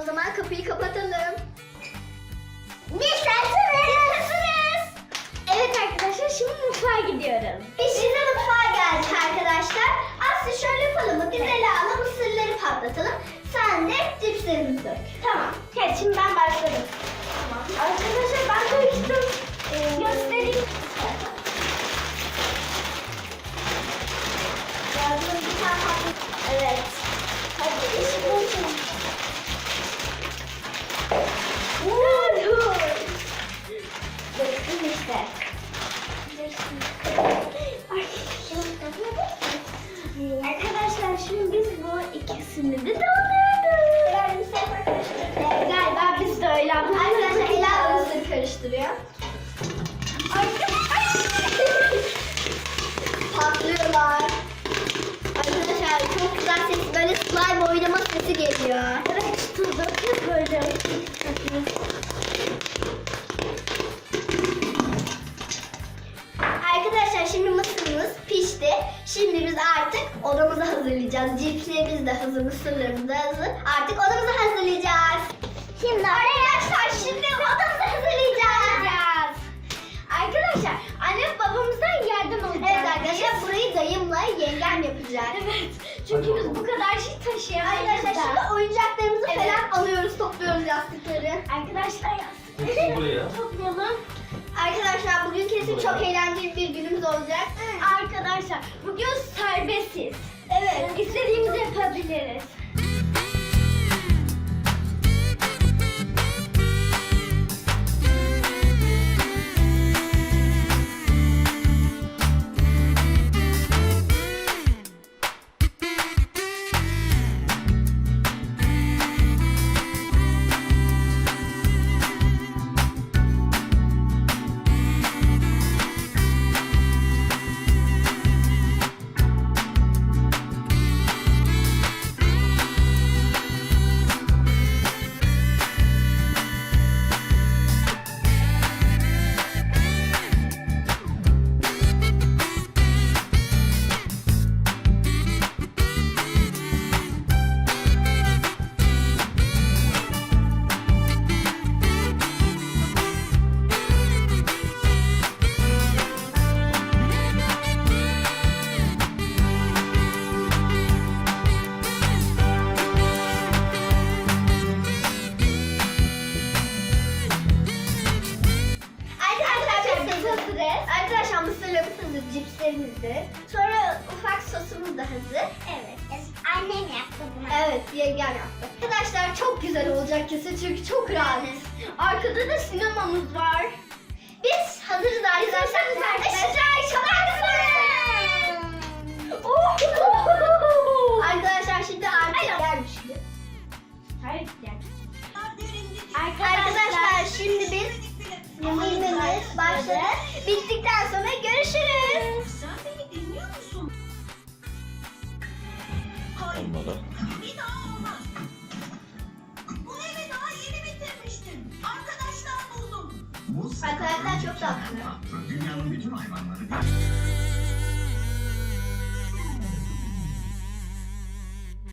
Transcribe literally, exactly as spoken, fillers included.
zaman kapıyı kapatalım. Biz hazırız. Evet arkadaşlar, şimdi mutfağa gidiyoruz. Biz şimdi mutfağa geldik arkadaşlar. Aslı şöyle yapalım. Biz Ela'la mısırları patlatalım. Sen de cipslerimizi dök. Tamam. Evet, şimdi ben başladım. Tamam. Arkadaşlar ben döktüm. Ee, göstereyim. Yardım bir tane patlatalım. Evet. Hadi işi bulsun. Döktüm işte. Arkadaşlar şimdi biz bu ikisini de dolduruyoruz. Galiba biz de öyle yaptık. Arkadaşlar Ela mısır karıştırıyor. Patlıyorlar. Arkadaşlar çok güzel ses, böyle slime oynama sesi geliyor. Evet, tuz döküyor böyle. Arkadaşlar şimdi mısırımız pişti. Şimdi biz artık odamızı hazırlayacağız. Cipslerimiz de hazır, mısırlarımız da hazır. Artık odamızı hazırlayacağız. Şimdi arkadaşlar şimdi odamızı hazırlayacağız. Arkadaşlar annem babamızdan yardım alacağız. Evet arkadaşlar, burayı dayımla yengem yapacak. Evet. Çünkü biz bu kadar şey taşıyamayız. Arkadaşlar şimdi oyuncaklarımızı evet. falan alıyoruz, topluyoruz yastıkları. Arkadaşlar yastıkları toplayalım. Arkadaşlar bugün kesin çok eğlenceli bir günümüz olacak. Evet. Arkadaşlar bugün serbestiz. Evet. İstediğimizi yapabiliriz. Arkadaşlar mısırlarımız hazır, cipslerimiz de. Sonra ufak sosumuz da hazır. Evet. Annem yaptı bunu. Evet, yengem yaptı. Arkadaşlar çok güzel olacak kesin çünkü çok rahat. Arkada da sinemamız var. Biz hazırız arkadaşlar. Işıklar çalar mısın? Arkadaşlar şimdi artık gelmiş. Hayır gel. Arkadaşlar şimdi biz yemeğimiz başladı. Bittikten sonra görüşürüz. Sen beni dinliyor musun? Hayır. Olmadı. Bir daha olmaz. Bu evi daha yeni bitirmiştim. Arkadaşlar buldum. Arkadaşlar çok tatlı. Dünyanın bütün hayvanları